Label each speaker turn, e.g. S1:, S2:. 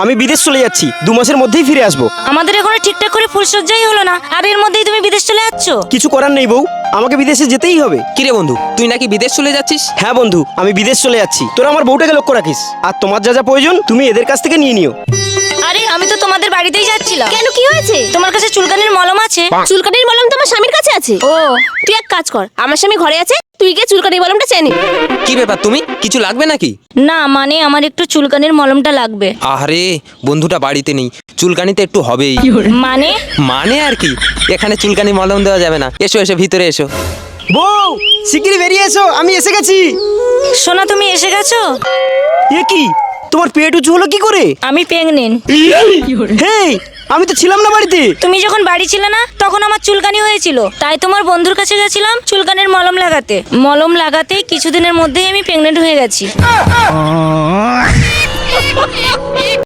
S1: আমি বিদেশ চলে যাচ্ছি, 2 মাসের মধ্যেই ফিরে আসবো।
S2: আমাদের এখনো ঠিকঠাক করে ফুলসজ্জাই হলো না, আর এর মধ্যেই তুমি বিদেশ চলে যাচ্ছ?
S1: কিছু করার নেই বউ, আমাকে বিদেশে যেতেই হবে।
S3: কিরে বন্ধু, তুই নাকি বিদেশ চলে যাচ্ছিস?
S1: হ্যাঁ বন্ধু, আমি বিদেশ চলে যাচ্ছি। তোরা আমার বউটাকে লক্ষ্য রাখিস, আর তোমার যা যা প্রয়োজন তুমি এদের কাছ থেকে নিয়ে নিও।
S2: আরে আমি তো তোমাদের বাড়িতেই যাচ্ছিলাম।
S4: কেন, কি হয়েছে?
S2: তোমার কাছে চুলকানির মলম আছে?
S4: চুলকানির মলম তো আমার স্বামীর কাছে আছে। ও, তুই এক কাজ কর, আমার স্বামী ঘরে আছে, তুই গিয়ে চুলকানির মলমটা চেয়ে নিবি।
S3: কি ব্যাপার, তুমি কিছু লাগবে নাকি?
S2: না মানে আমার একটু চুলকানির মলমটা লাগবে।
S3: আরে বন্ধুটা বাড়িতে নেই, চুলকানিতে একটু হবেই।
S2: মানে?
S3: মানে আর কি, এখানে চুলকানি মলম দেওয়া যাবে না। এসো এসো, ভিতরে এসো।
S1: বউ শিগগিরই বেরিয়ে এসো, আমি এসে গেছি।
S2: সোনা তুমি এসে গেছো?
S1: এ কি, তোমার পেট উঁচু হলো কি করে?
S2: আমি প্রেগনেন্ট।
S1: হেই, আমি তো ছিলাম না বাড়িতে।
S2: তুমি যখন বাড়ি ছিলে না তখন আমার চুলকানি হয়েছিল, তাই তোমার বন্ধুর কাছে গেছিলাম চুলকানির মলম লাগাতে। মলম লাগাতেই কিছুদিনের মধ্যেই আমি প্রেগনেন্ট হয়ে গেছি।